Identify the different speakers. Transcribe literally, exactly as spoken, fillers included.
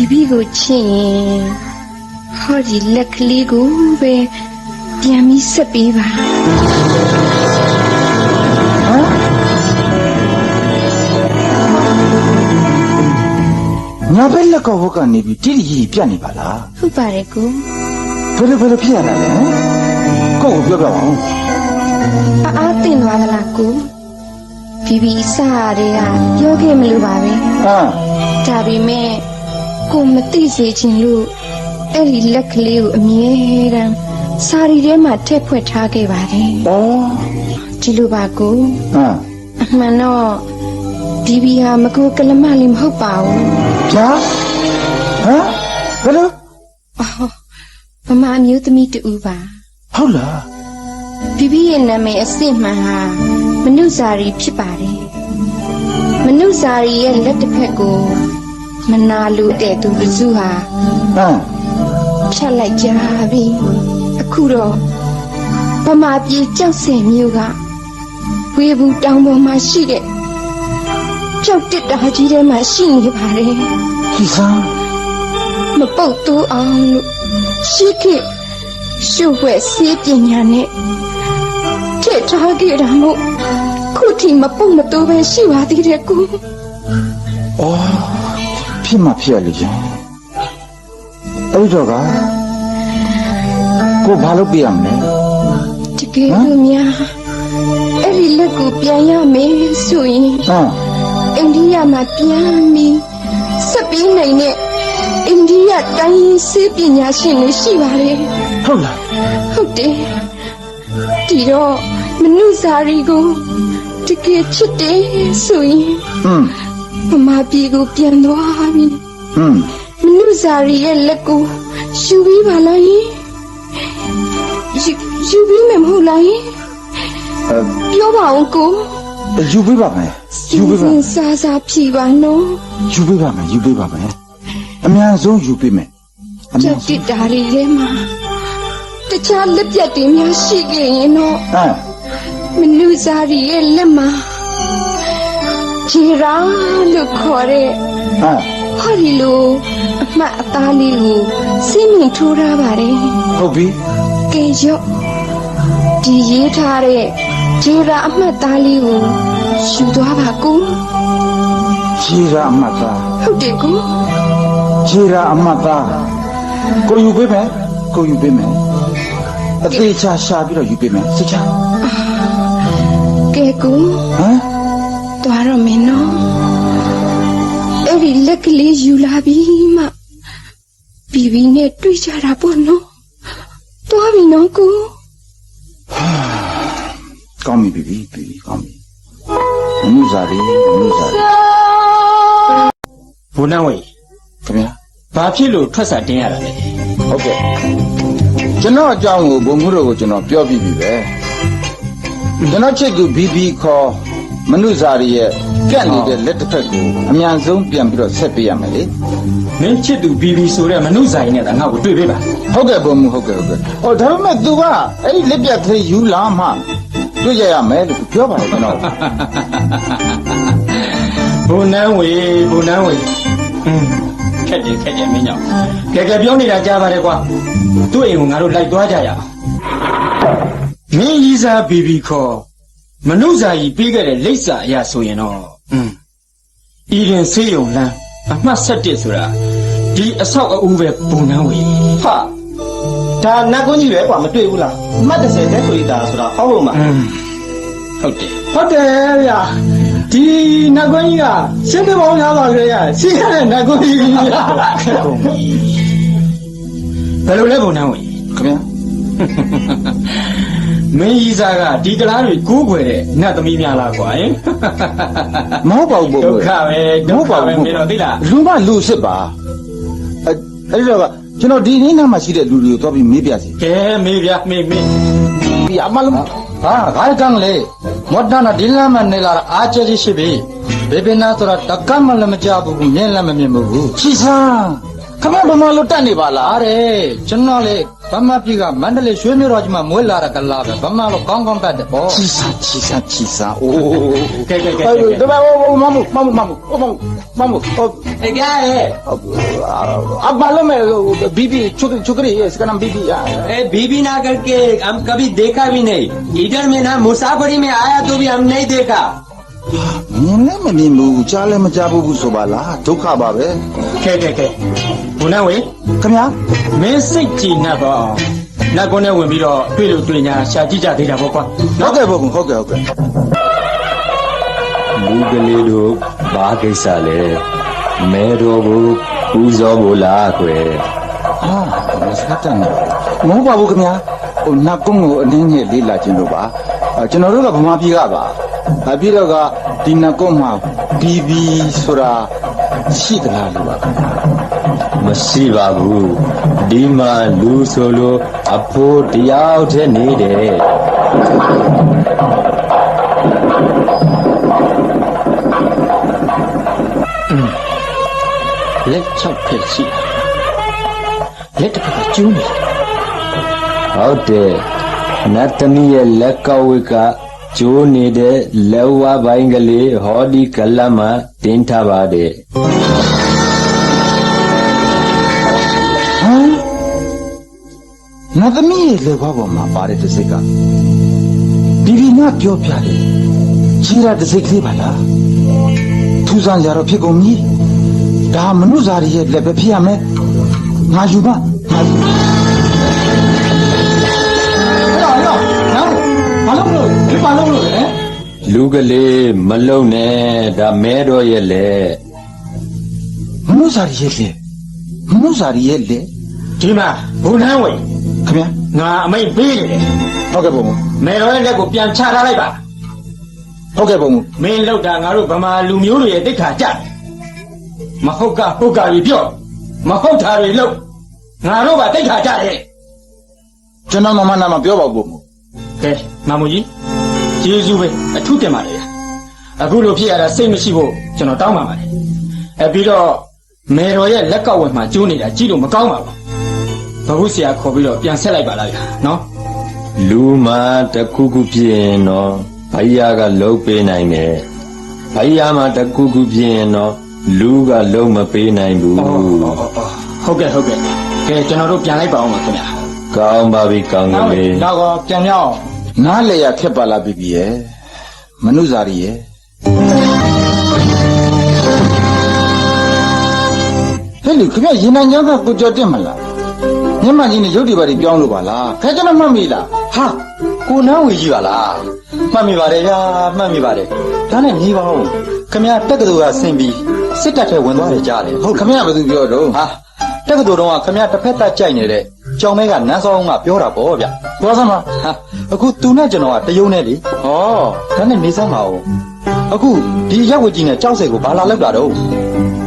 Speaker 1: Bibi go chin. Hodi luckily go be Yami Sapiva.
Speaker 2: Nabella Kovoka Nibi, Tilly Pianibala.
Speaker 1: Who barego?
Speaker 2: Very, very piano. Go, go.
Speaker 1: I think Wagalaku. Bibi Saria, Yogi Mlubavi.
Speaker 2: Ah,
Speaker 1: Tabi me, come Tisi in Lu, Ellie luckily me, Sari Rema Tepwetake Vadi.
Speaker 2: oh,
Speaker 1: Chilubaku,
Speaker 2: ah,
Speaker 1: Mano, Bibi Hamaku Kalamalim Hopao.
Speaker 2: yeah? Huh? Hello?
Speaker 1: Oh, Mama mute me to Uva.
Speaker 2: Hola.
Speaker 1: Bibi and Name a Sima, Manuzari Pipari. Manuzari and let the pego, Manalu de to Vizuha,
Speaker 2: Ah,
Speaker 1: Chalajavi, Akuro, Mama be just same yoga. We will down on my sheet. Choked it the Hajide machine, you pare.
Speaker 2: he's on.
Speaker 1: Mapoto on Shiki, Shuwe sitting on it. Target mo kuti mapumato ba shiwa dire ko
Speaker 2: Oh, Pima Pialijan. Odoga. Go Balopiam,
Speaker 1: tige mia eri le ko pianya me sui
Speaker 2: ah,
Speaker 1: India ma piami sabi nai ne India dai se pinya shin ni shi ba le
Speaker 2: hola.
Speaker 1: ဟုတ်တယ်ဒီတော့မနုစာရီကိုတကယ်ချစ်တယ်ဆိုရင်
Speaker 2: Hmm,
Speaker 1: မမပြေကိုပြန်သွားပြီ
Speaker 2: hmm.
Speaker 1: မနုစာရီရဲ့လက်ကိုယူပြီးပါလားယင်ယူယူပြီးမယ်မဟုတ်လားယင်
Speaker 2: Uh,
Speaker 1: ပြောပါဦးကို
Speaker 2: you be back, man. You be
Speaker 1: စင်
Speaker 2: back.
Speaker 1: စားစားဖြေပါနော်
Speaker 2: You be back, man. You be back, man. A man, so you be me. A
Speaker 1: ကြော
Speaker 2: man,
Speaker 1: က်တစ်တာတွေထဲမှာတခြားလက်ပြတ်တွေများရှိခဲ့ရင်တော့
Speaker 2: ah,
Speaker 1: မနုစာရီရဲ့လက်မှာဂျီရာလို့ခေါ်တဲ့
Speaker 2: ah.
Speaker 1: ဟောဒီလိုအမှတ်အသားလေးကိုစိတ်မြင်ထိုးထားပါတယ်
Speaker 2: Hobby.
Speaker 1: ကဲရော့ဒီရေးထားတဲ့ဂျီရာအမှတ်သားလေးကိုယူသွားပါကူ
Speaker 2: Jira Amata.
Speaker 1: ဟုတ်တယ်ကူ
Speaker 2: Jira Amata. Go you be me. Go you be me. A day cha shabby, you be me. Sit down.
Speaker 1: ကဲကူ
Speaker 2: Huh?
Speaker 1: သွားတော့မင်းနော်အဲ့ဒီလက်ကလေးယူလာပြီးမှဘီဘီနဲ့တွေ့ကြတာပေါ့နော်သွားပြီနော်ကူ
Speaker 2: Call me, baby, baby, call me. Muzari, Muzari.
Speaker 3: ဘုန်းတော်ဝေ
Speaker 2: Come here.
Speaker 3: ဘာဖြစ်လို့ထွက်စာတင်းရတာလဲ
Speaker 2: Okay. ကျွန်တော်အကြောင်းကိုဘုံမှုတို့ကိုကျွန်တော်ပြောပြပြီပဲကျွန်တော်ချစ်သူ ဘီ ဘီ ခေါ်မနုဇာရီရဲ့ကန့်နေတဲ့လက်တစ်ဖက်ကိုအမြန်ဆုံးပြန်ပြီးတော့ဆက်ပေးရမယ်လေ
Speaker 3: မင်းချစ်သူဘီဘီဆိုတဲ့မနုဇာရီနဲ့ငါ့ကိုတွေ့ပေးပါ
Speaker 2: ဟုတ်ကဲ့ဘုံမှုဟုတ်ကဲ့ဟုတ်ကဲ့ဟောဒါပေမဲ့ तू ကအဲ့ဒီလက်ပြတ်သေးယူလာမှတွေ့ရရမယ်လို့ပြောပါတယ်ကျွန်တော်
Speaker 3: ဘုန်းတော်ဝေဘုန်းတော်ဝေอืมခက်တယ်ခက်တယ်မင်းကြောင့်ကဲကဲပြောနေတာကြားပါတယ်ကွာသူ့အိမ်ကိုငါတို့လိုက်သွားကြရအောင်မင်းကြီးစားဘီဘီခေါ်မနုဇာရီပေးခဲ့တဲ့လိပ်စာအရာဆိုရင်တော့อืมဤရင်ဆေးရုံလမ်းအမှတ်၁၁ဆိုတာဒီအဆောက်အဦပဲဘုန်းတော်ဝေ
Speaker 4: ဟာဒါနတ်ကွန်းကြီးပဲကွာမတွေ့ဘူးလားအမှတ်၁၀တဲ့ဆိုရတာဆိုတာဟောက်လို့မှာ
Speaker 3: อืมဟုတ်တယ်
Speaker 4: ဟုတ်တယ်ဗျာဒီနတ်ကွန်းကြီးကရှင်းပြပေါင်းများပါလေရရှင်းရတဲ့နတ်ကွန်းကြီးဗျာ
Speaker 3: ခက်ကုန်ပြီဘယ်လိုလဲဘုံနှံဝင်
Speaker 2: ခင်ဗျာ
Speaker 3: မင်းကြီးစားကဒီကလားတွေကိုးကွယ်တဲ့နတ်သမီးများလားကွာဟင်
Speaker 2: မဟုတ်ပါဘူးဘုံ
Speaker 3: ဒုက္ခပဲဒုက္ခပဲမင်းတို့သိလား
Speaker 2: လူမလူစစ်ပါအဲ့အဲ့ဒီတော့ကကျွန်တော်ဒီနေ့နားမှာရှိတဲ့လူတွေကိုတော့ပြီးမေးပြစီ
Speaker 3: ကဲမေးဗျာမေးမေး
Speaker 2: ဒီအမလုံးဟာဂိုင်းကန်းလေမော်ဒနာဒီလမ်းမနေလာအားကျကြီးရှိပြီဘေဘနာဆိုတာတကမလည်းမကြဘူးမြင်လည်းမမြင်ဘူးချီစမ်းခမဘမလို့တက်နေပါလားတဲ့ကျွန်တော်လေ
Speaker 5: ဗမာပြည်ကမန္တလေးရွှေမြို့တော်ကြီးမှာမွေးလာတဲ့ကလာပဲဗမာတော့ကောင်းကောင်းတတ်တယ်ပေါ့
Speaker 2: ချီစာချီစာချီစာအိုး
Speaker 3: ကဲကဲကဲ
Speaker 2: 哎，对吧？我我妈妈妈妈妈妈我妈妈妈我
Speaker 3: အေးကြရဲ့
Speaker 2: 啊，完了没？B B，छोकरी छोकरी है, इसका नाम B B है।
Speaker 6: ए बीबी ना करके हम कभी देखा भी नहीं इधर में ना मुसाफरी में आया तो भी हम नहीं देखा
Speaker 2: မြင်လည်းမမြင်ဘူးကြားလည်းမကြားဘူးဆိုပါလားဒုက္ခပါပဲ
Speaker 3: ကဲကဲကဲဘုန်းတော်ဝေ
Speaker 2: ခင်ဗျာ
Speaker 3: မင်းစိတ်ကြည်နှက်ပါအောင်နတ်ကုန်းနဲ့ဝင်ပြီးတော့တွေ့လို့တွေ့ညာရှာကြည့်ကြသေးတာပေါ့ကွာ
Speaker 2: ဟုတ်ကဲ့ဘုံဟုတ်ကဲ့ဟုတ်ကဲ့
Speaker 6: လူကလေးတို့ဘာကိစ္စလဲမဲတော်ကိုပူဇော်ဖို့လားကွယ်
Speaker 2: ဟာမစကတန်မဟုတ်ပါဘူးခင်ဗျာဟိုနတ်ကုန်းကိုအနည်းငယ်လေးလာခြင်းလို့ပါကျွန်တော်တို့ကဗမာပြည်ကပါအပြည်တော့ကဒီနတ်ကုန်းမှာ B B ဆိုတာရှိသလားလို့ပါ
Speaker 6: မရှိပါဘူးဒီမှာလူဆိုလို့အဖိုးတယောက်တည်းနေတယ်
Speaker 3: လက်ချောက်ဖြစ်ရှိလက်တစ်ဖက်ကကျူးနေ
Speaker 6: ဟုတ်တယ်နတ်သမီးရဲ့လက်ကောက်ဝတ်ကကျိုးနေတဲ့လက်ဝါးပိုင်းကလေးဟောဒီကလပ်မှာတင်းထားပါတယ်
Speaker 2: ဟမ်နတ်သမီးရဲ့လေဘွားပေါ်မှာပါတဲ့တစ်စိတ်ကဘီဘီနာပြောပြတယ်ခြေရတစ်စိတ်ကလေးပါလားထူဆန်းကြတော့ဖြစ်ကုန်ပြီဒါမနုဇာရီရဲ့လက်ပဲဖြစ်ရမယ်ငါယူပါငါယူရောရောနော်ဘာလို့လို့ဒီဘာလို့လို့လဲ
Speaker 6: လူကလေးမလုံနဲ့ဒါမဲတော်ရဲ့လေ
Speaker 2: မနုဇာရီရဲ့လက်မနုဇာရီရဲ့လက်
Speaker 3: ဒီမှာဘုန်းတော်ဝေ
Speaker 2: ခင်ဗျာ
Speaker 3: ငါအမိတ်ပေးနေတယ်
Speaker 2: ဟုတ်ကဲ့ဘုံ
Speaker 3: မဲတော်ရဲ့လက်ကိုပြန်ချထားလိုက်ပါ
Speaker 2: ဟုတ်ကဲ့ဘုံ
Speaker 3: မင်းလောက်တာငါတို့ဗမာလူမျိုးတွေရဲ့တိတ်ခါကြတယ်မဟုတ်ကဟုတ်ကကြီးပြော့မဟုတ်တာတွေလို့ငါတို့ကတိတ်ခါကြတယ်
Speaker 2: ကျွန်တော်မမနာမပြောပါဘူးဘုံ
Speaker 3: ကဲမမကြီးကျေးဇူးပဲအထူးတင်ပါတယ်အခုလိုဖြစ်ရတာစိတ်မရှိဖို့ကျွန်တော်တောင်းပါပါတယ်အဲပြီးတော့မေတော်ရဲ့လက်ကောက်ဝယ်မှာကျိုးနေတာကြည့်လို့မကောင်းပါဘူးဘဟုဆရာခေါ်ပြီးတော့ပြန်ဆက်လိုက်ပါလားဗျာနော်
Speaker 6: လူမှာတစ်ခုခုဖြစ်ရင်တော့ဘိုင်ယာကလှုပ်ပေးနိုင်တယ်ဘိုင်ယာမှာတစ်ခုခုဖြစ်ရင်တော့လူကလှုပ်မပေးနိုင်ဘူး
Speaker 3: ဟုတ်ကဲ့ဟုတ်ကဲ့ကဲကျွန်တော်တို့ပြန်လိုက်ပါအောင်ပါခင်ဗျာ
Speaker 6: ကောင်းပါပြီကောင်းကလေး
Speaker 3: တော့တော့ပြန်ရအောင်
Speaker 2: နားလေရခက်ပါလားဘီဘီရဲ့မနုဇာရီရဲ့ဟဲ့လူခင်ဗျရေနံကြောင်းကကိုကြော်တက်မလားမျက်မှန်ကြီးနဲ့ရုပ်တွေပါတွေပြောင်းလို့ပါလားခဲကျွန်တော်မှတ်မိလား
Speaker 5: ဟာကိုနန်းဝေကြီးပါလားမှတ်မိပါတယ်ဗျာမှတ်မိပါတယ်ဒါနဲ့ညီပါဦးခမရတက္ကသိုလ်ကဆင်းပြီးစစ်တပ်ထဲဝင်သွားတယ်ကြားတယ်
Speaker 2: ဟုတ်ခင်ဗျဘယ်သူပြောတော့
Speaker 5: ဟာတက္ကသိုလ်တော့ကခမရတစ်ဖက်သက်ကြိုက်နေတဲ့ကြောင်မဲကနန်းစောင်းကပြောတာပေါ့ဗျ
Speaker 2: သွားစမ်းပါ
Speaker 5: ဟာအခုသူနဲ့ကျွန်တော်ကတယုံနဲ့လေဩဒါနဲ့နေစမ်းပါဦးအခုဒီရက်ဝတ်ကြီးနဲ့ကြောက်စိတ်ကိုဘာလာလောက်တာတော့